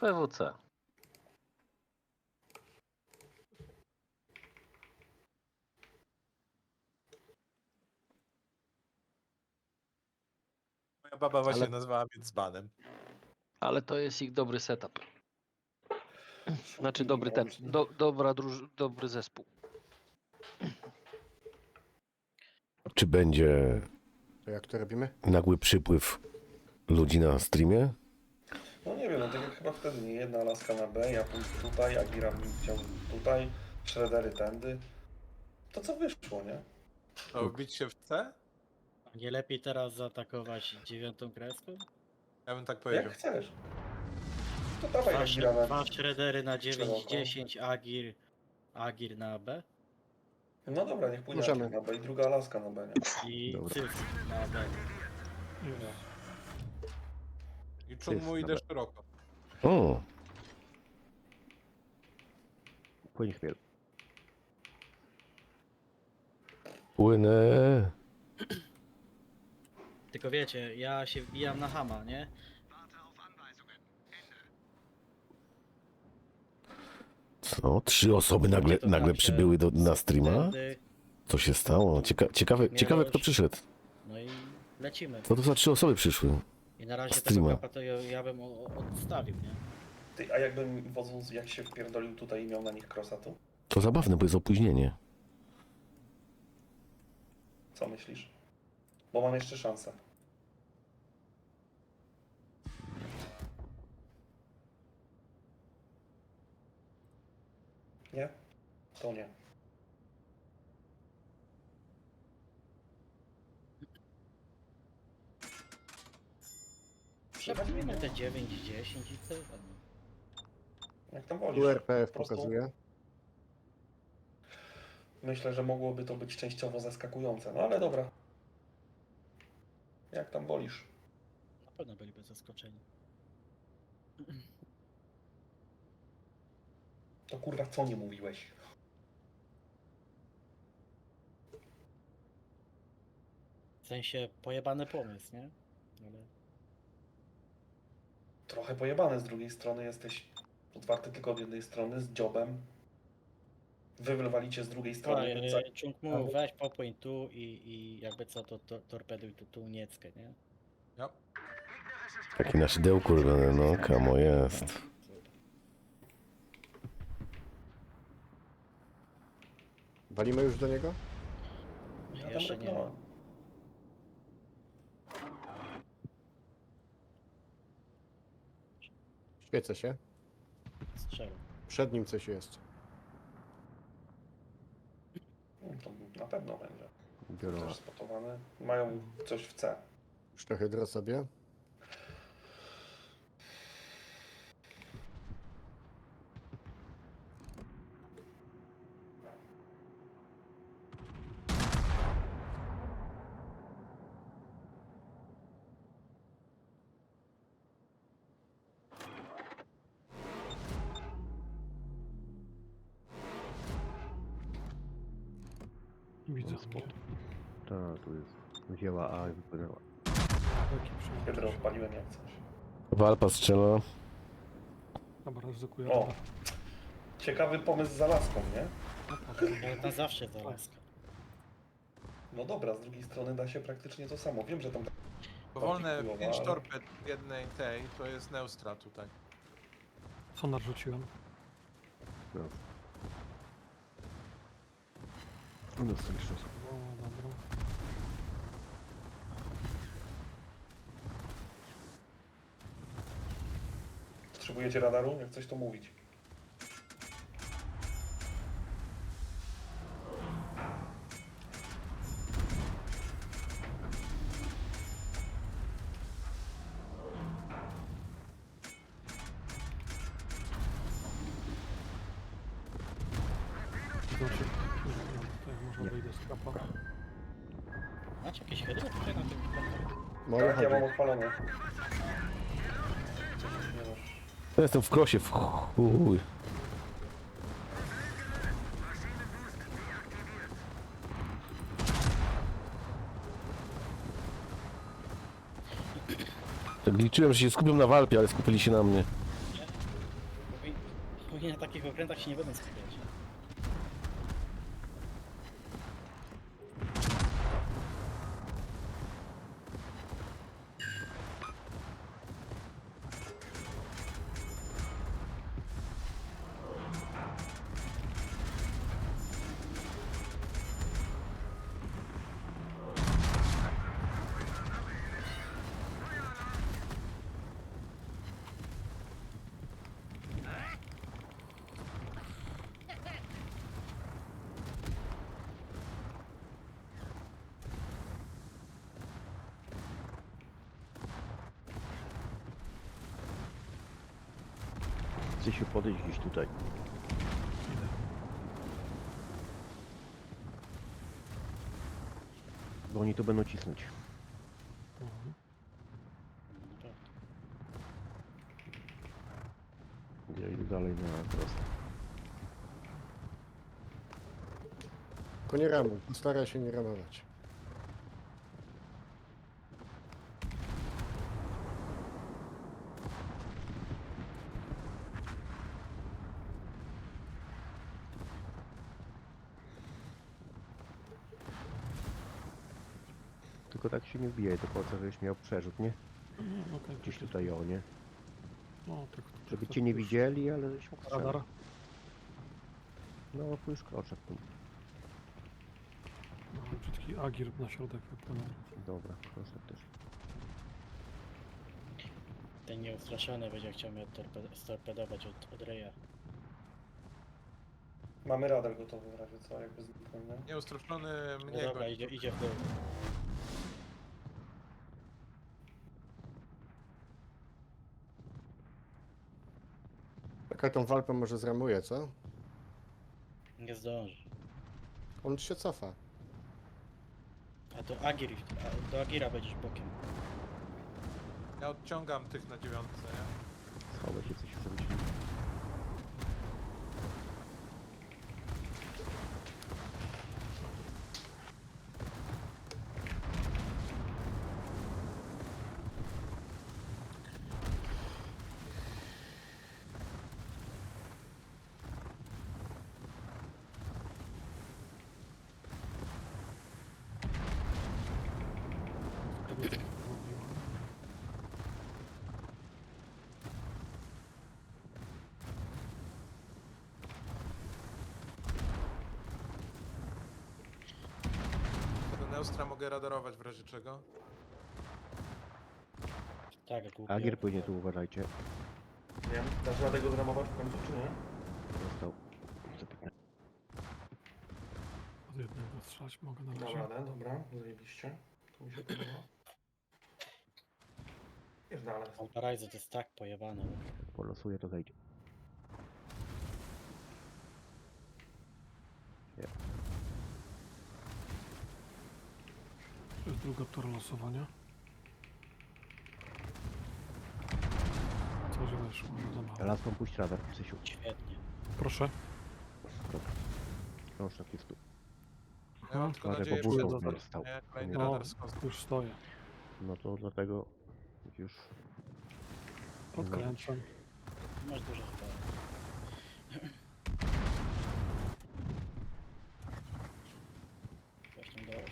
PWC. Moja baba właśnie Ale- nazwała mnie dzbanem. Ale to jest ich dobry setup. Znaczy I dobry ten, włącznie. dobry zespół. Czy będzie To jak to robimy? nagły przypływ ludzi na streamie? No nie wiem, no tak jak chyba wtedy, nie jedna laska na B, ja pójdę tutaj, Agira chciał tutaj, Shreddery tędy. To co wyszło, nie? To wbić się w C? Nie lepiej teraz zaatakować 9. kreską? Ja bym tak powiedział. Jak chcesz. To dawaj Agira na... Dwa shreddery na 9, szeroko. 10, Agir na B No dobra, niech pójdzie Możemy. Agir na B i druga laska na B, nie? i Dobra. Cyf na B. I Czunmu idę szeroko. O, Płyń chmiel. płynę. Tylko wiecie, ja się wbijam na Hama, nie? Co? 3 osoby nagle, To nagle tam się przybyły na streama? wtedy- Co się stało? Ciekawe kto przyszedł. No i lecimy. Co to za 3 osoby przyszły? I na razie Streama. tego kapa to ja bym odstawił, nie? Ty, a jakbym wodząc, jak się wpierdolił tutaj i miał na nich crossa, to To zabawne, bo jest opóźnienie. co myślisz? Bo mam jeszcze szansę. Nie? To nie. Przewalimy te 9, 10 i tyle. no. Jak tam wolisz. Tu RPF Po prostu pokazuje. Myślę, że mogłoby to być częściowo zaskakujące, no ale dobra. Jak tam wolisz. Na pewno byliby zaskoczeni. To kurwa co nie mówiłeś? W sensie pojebany pomysł, nie? Ale Trochę pojebane, z drugiej strony jesteś otwarty tylko od jednej strony, z dziobem. Wy wywalicie z drugiej strony. więc za- Czunk mu weź popłyń tu i jakby co to torpeduj tu Nieckę, nie? Ja. Taki na szydełku robiony, no kamo jest. Walimy już do niego? Ja tam Jeszcze nie. reknąłem. Świecę się. Strzelę. Przed nim coś jest. To na pewno będzie. Biorą. Też spotowane. Mają coś w C. Już trochę dro sobie. Widzę. Tak, tu jest. Wzięła A i wypłynęła. Hydro odpaliłem jak coś. Walpa strzela. Dobra, ryzykuję. O! Ciekawy pomysł z laską, nie? Na zawsze za laskę. No dobra, z drugiej strony da się praktycznie to samo. Wiem, że tam... Powolne Chujowo, 5 ale- torped w jednej tej, to jest Neustra tutaj. Sonar rzuciłem. No. U nas są jeszcze osoby. O, dobra. Potrzebujecie radaru? Jak coś to mówić. Znaczy, tutaj może wyjdę z kapa. Macie jakieś hydro tutaj na tym? Moje Tak, ja mam chodzi. odpalone. Nie no. Ja jestem w krosie, w chuj. Tak liczyłem, że się skupią na walpie, ale skupili się na mnie. Oni na takich okrętach się nie będą skupiać. Chcę się podejść gdzieś tutaj. Idę. Bo oni tu będą cisnąć. Mhm. Naprawdę. Ja idę dalej na prosto. Tylko nie ramuj, postaraj się nie ramować. Tylko tak się nie wbijaj do końca, żebyś miał przerzut, nie? No, okej, Gdzieś to- tutaj o, nie? No, tak, Żeby tak, cię nie już widzieli, ale żeś mógł strzelać. Radar. No, tu już kroczek tu. No, brzydki Agir na środek wypłynął. Dobra, kroczek też. Ten nieustraszony będzie chciał mnie storpedować od Reja. Mamy radar gotowy w razie co, jakby zniknął, nie? Nieustraszony No mnie dobra, goni. idzie w dół. Taka tą walpę może zramuje, co? Nie zdąży. On się cofa. A to Agir, do Agira będziesz bokiem. Ja odciągam tych na 9, nie? Schowaj się, coś zrobić. Tego Neustra mogę radarować w razie czego. Tak, głupio. Agier płynie tu, uważajcie. Wiem. Dasz radę go zramować w końcu, czy nie? Został. Zapytany. Od jednego strzelać mogę na Dam razie. radę, dobra, zajebiście. To mi się podoba. Jest dalej. Paralizer to jest tak pojebane. Jak polosuje, to zejdzie. To jest druga tura losowania. Coś weszło, za mało. Laską puść radar, Cysiu. Świetnie. Proszę. Krążek jest tu. Ja mam tylko Uważaj, nadzieję, bo że burką stał. nie, kolejny No, radar z kosmosem. już stoję. No to dlatego już Odkręcam. Masz dużo chyba. Właśnie do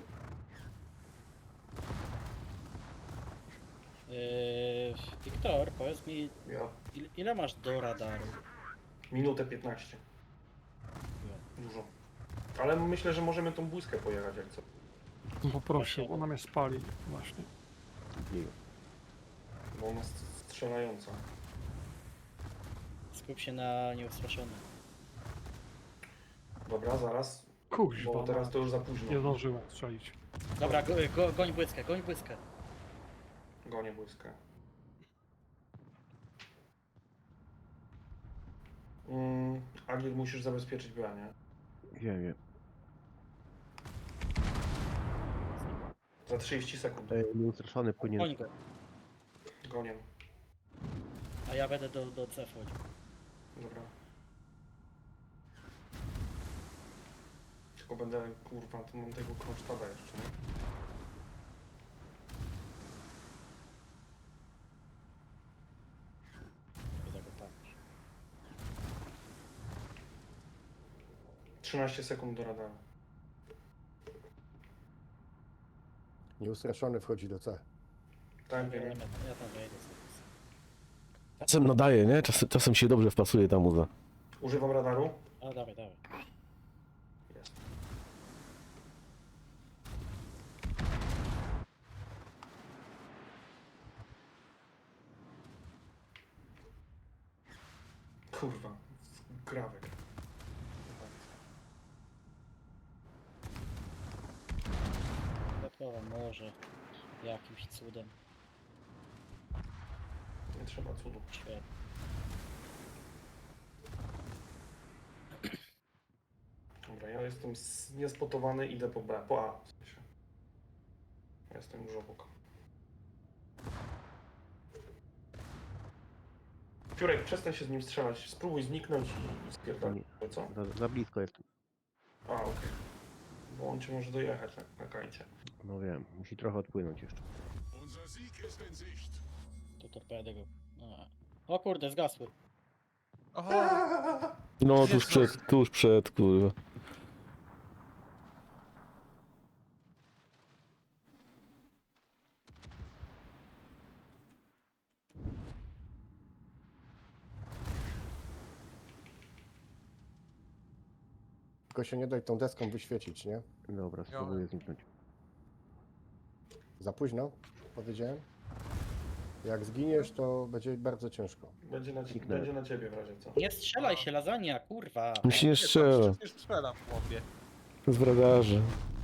Wiktor, powiedz mi, Ja. ile masz do radaru? Minutę 15. Dużo. Ale myślę, że możemy tą błyskę pojechać jak co. Poprosił, ona mnie spali właśnie. bije. Bo ona strzelająca. Skup się na nieustraszonym. Dobra, zaraz. Kuźwa, Bo teraz mać. to już za późno. Nie zdążyłem strzelić. Dobra, goń błyskę, goń błyskę. Gonię błyskę. Agil, musisz zabezpieczyć branie. Wiem. Za 30 sekund. Nieustraszony płynie. Goń go. Gonię. A ja będę do C wchodził. Dobra. Tylko będę, kurwa, tu mam tego kronsztada jeszcze, nie? Będę go patrz. 13 sekund do radaru. Nieustraszony wchodzi do C. Tak, Ja wiem. tam wejdę sobie. Czasem nadaje, nie? Czasem się dobrze wpasuje ta muza. Używam radaru. A dawaj, dawaj. Jest. Kurwa, grawek. Dodatkowo może jakimś cudem. Nie trzeba cudu. Świetnie. Dobra, ja jestem niespotowany, idę po B, po A w sensie. Ja jestem już obok. Piórek, przestań się z nim strzelać, spróbuj zniknąć i spierdolić. Co? Za blisko jestem. A, okej. Bo on cię może dojechać na kajcie. No wiem, musi trochę odpłynąć jeszcze. Tu torpedy go. A. O kurde, zgasły. Oho! No, Jezus. tuż przed, kurwa. Tylko się nie daj tą deską wyświecić, nie? Dobra, spróbuję zniknąć. Za późno, powiedziałem. Jak zginiesz, to będzie bardzo ciężko. Będzie na ciebie w razie co. Nie strzelaj się, lasagna, kurwa. Mi się nie strzela. Przecież strzelam w chłopie. Z radarzy.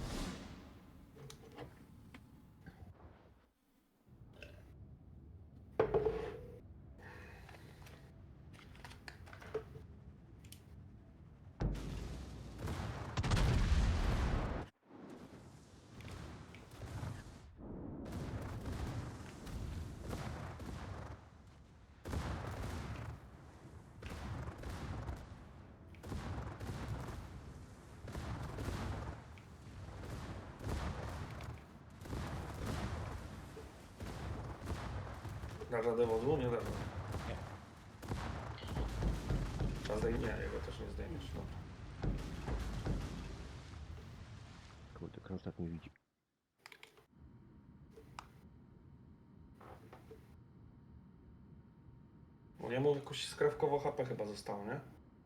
Na radę wozu? Nie dawno. Nie. A nie, jego też nie zdejmiesz. No. Kurde, Kronstadt nie widzi. Bo jemu jakoś skrawkowo HP chyba zostało, nie?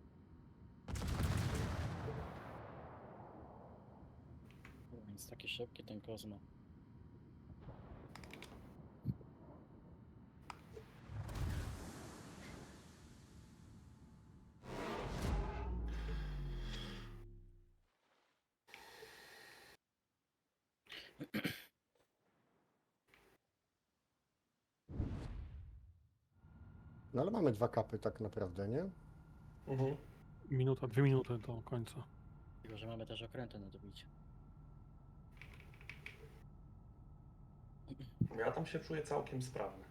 Więc taki szybki ten Kozma. No ale mamy 2 kapy tak naprawdę, nie? Mhm. Minuta, 2 minuty do końca. Tylko, że mamy też okręty na dobicie. Ja tam się czuję całkiem sprawny.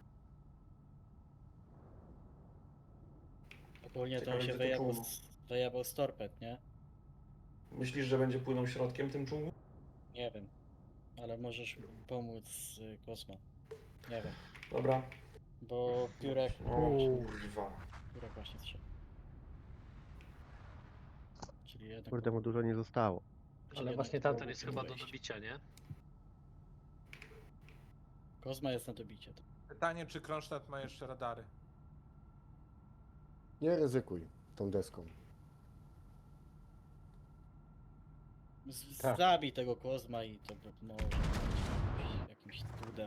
Ogólnie to Ciekawe, on się gdzie to wyjebał czołgu. wyjebał z torped, nie? Myślisz, że będzie płynął środkiem tym czołgu? Nie wiem. Ale możesz pomóc Kozma. Nie wiem. Dobra. Bo Piórek O kurwa. właśnie strzelił. Czyli jednak... Kurde, mu dużo nie zostało. czyli Ale jednak właśnie to tamten było jest chyba do wejście. dobicia, nie? Kozma jest na dobicie. Pytanie, czy Kronstadt ma jeszcze radary? Nie ryzykuj tą deską. Tak. Zabij tego Kozma i to może być jakimś cudem.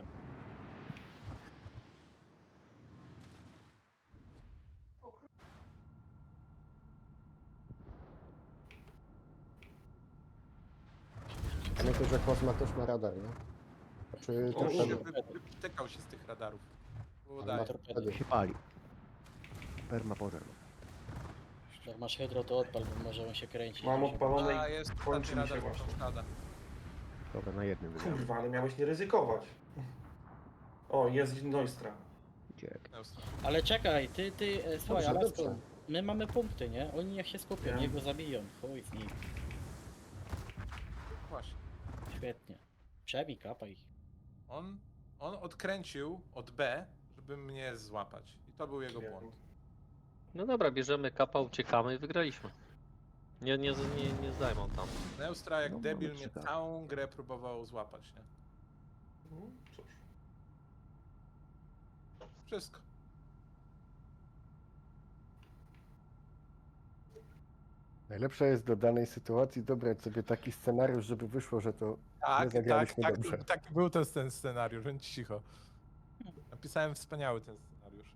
Pamiętaj, że Kozma też ma radar, nie? Znaczy O, torpedo. Wytykał się z tych radarów. Było Ale ma daje. torpedy. Się pali. Perma pożar. Jak masz hydro, to odpal, bo może on się kręci. Mam Może- odpalone A, i jest kończy ostatni mi się radar właśnie. Kronstadta. Dobra, na jednym wygrałem. Kurwa, ale miałeś nie ryzykować. O, jest Neustra. Uciek. Ale czekaj, słuchaj, Dobrze, ale dobrze. my mamy punkty, nie? Oni niech się skupią, Wiem. niech go zabiją. Chuj z nich. Właśnie. Świetnie. Przebij, kapaj ich. On odkręcił od B, żeby mnie złapać. I to był jego Wiem. błąd. No dobra, bierzemy kapa, uciekamy i wygraliśmy. Nie zajmą tam. Neustra jak No, debil mamy mnie trzy, tak. całą grę próbował złapać, nie? Cóż. Wszystko. Najlepsze jest do danej sytuacji dobrać sobie taki scenariusz, żeby wyszło, że to Tak, zagraliśmy tak, dobrze. taki był ten scenariusz, więc cicho. Napisałem wspaniały ten scenariusz.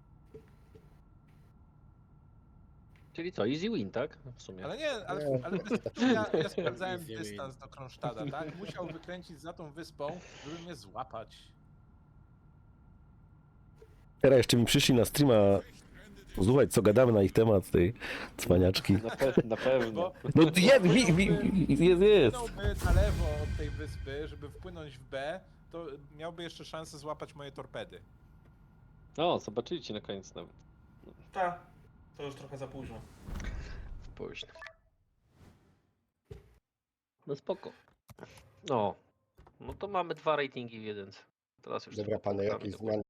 Czyli co, easy win, tak? W sumie. Ale nie, ale, Nie. ale ja sprawdzałem Easy win. dystans do Kronsztada, tak? Musiał wykręcić za tą wyspą, żeby mnie złapać. Teraz jeszcze mi przyszli na streama słuchać, co gadamy na ich temat, tej cwaniaczki. Na pewno. Bo No jest, jest. płynąłby na lewo od tej wyspy, żeby wpłynąć w B, to miałby jeszcze szansę złapać moje torpedy. O, zobaczyliście na koniec nawet. Tak, to już trochę za późno. Późno. No spoko. No. No to mamy 2 ratingi w 1. Teraz już Dobra, tylko panie, punktami jakieś dokładnie.